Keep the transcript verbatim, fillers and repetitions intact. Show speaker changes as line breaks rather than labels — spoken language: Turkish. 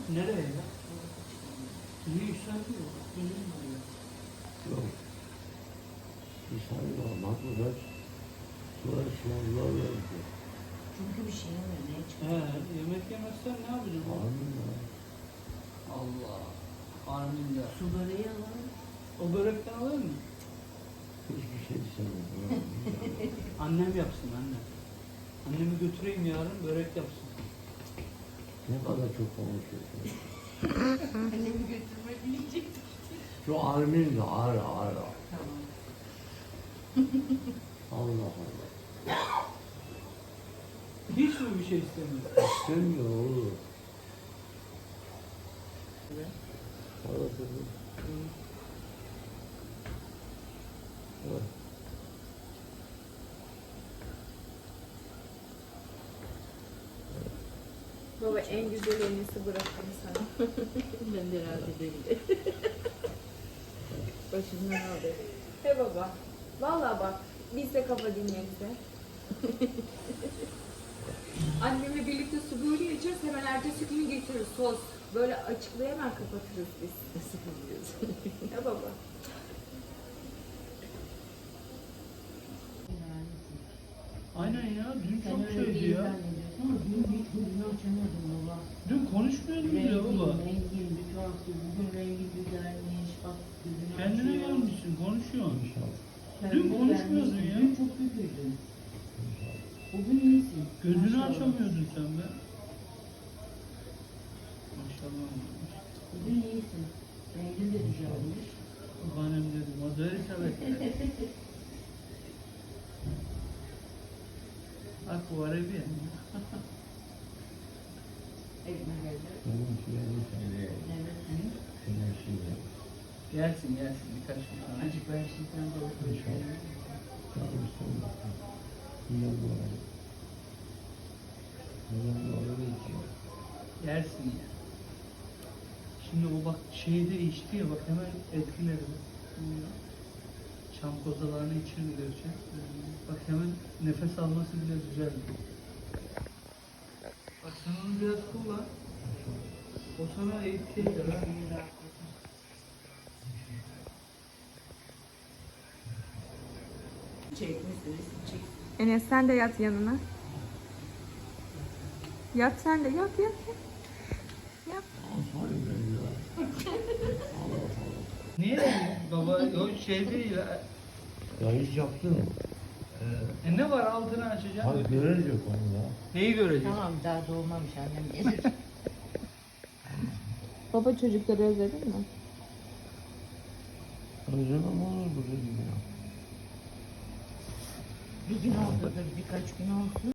Nereye ya? Niye yükseltiyor? Bilmiyorum ya.
Yok. Bir saniye olmaz mı? Ben sonra sınavlar verdi.
Çünkü bir şey yemiyor. Ne
He,
çıkıyor?
yemek yemezsen ne yapacaksın?
Amin ya.
Allah. Amin de.
Su böreği alalım.
O börekten alır mı?
Hiçbir şey istemem.
Annem yapsın annem. Annemi götüreyim yarın börek yapsın.
Ne kadar çok konuşuyorsun.
Annemi götürme diyecektik.
Şu Armin de ara ara.
Tamam.
Allah Allah.
Hiç mi bir şey istemiyorsun?
İstemiyor oğlum.
Evet.
Parası bu. Evet.
Baba en güzel en iyisi bıraktım sana.
Ben de razı değilim.
Başımdan aldı. He baba. Vallahi bak biz de kafa dinleriz he. Annemle birlikte su böyle yiyeceğiz. Hemen ertesi günü getiririz sos. Böyle açıklığı hemen kapatırız biz.
Nasıl biliyorsun?
He baba.
Aynen ya dün
Sen
çok
öyle
şeydi
değil
ya.
zannediyorsun ama dün hiç gözünü açamıyordum baba.
Dün konuşmuyordun bile baba.
Rengin, bir tuhaftı. Bugün rengi güzelmiş. Bak gözünü
Kendine
açıyor.
gelmişsin konuşuyorsun.
Kendine
Dün konuşmuyordun
gelmişsin.
ya.
Dün çok kötüydün. Bugün iyisin.
Gözünü
Maşallah.
açamıyordun sen be. Maşallah.
Bugün iyisin. Rengin de güzelmiş.
Babaannem dedim o da öyle tabii. Bak bu var bir.
Evime geldi.
Benim şeyimi söyleyeyim.
Evet.
Benim şeyim.
Gelsin gelsin birkaç gün sonra.
Acık ben şimdiden de oturuyorum.
Canım söyle. Niye bu arada? Neden bu arada içiyor?
Yersin ya. Şimdi o bak şeyde içti ya bak hemen etkiledi. Çam kozalarını içirdi gerçi. Bak hemen nefes alması bile düzeldi. Bak sen onu biraz kullan. O sana etki eder ha.
Çekmişsiniz, çek.
Enes sen de yat yanına. Yat sen de yat yat. yat. Yat.
Aferin ben ya. Allah Allah.
Niye baba o şey değil. ha.
Ya hiç yaptın mı?
E ne var altını açacağım.
Hadi görecek onu ya.
Neyi görecek?
Tamam daha doğmamış annem gelir.
Baba çocukları özledin mi?
Özlemem olur bu dedim ya.
Bir gün oldu da birkaç gün olsun.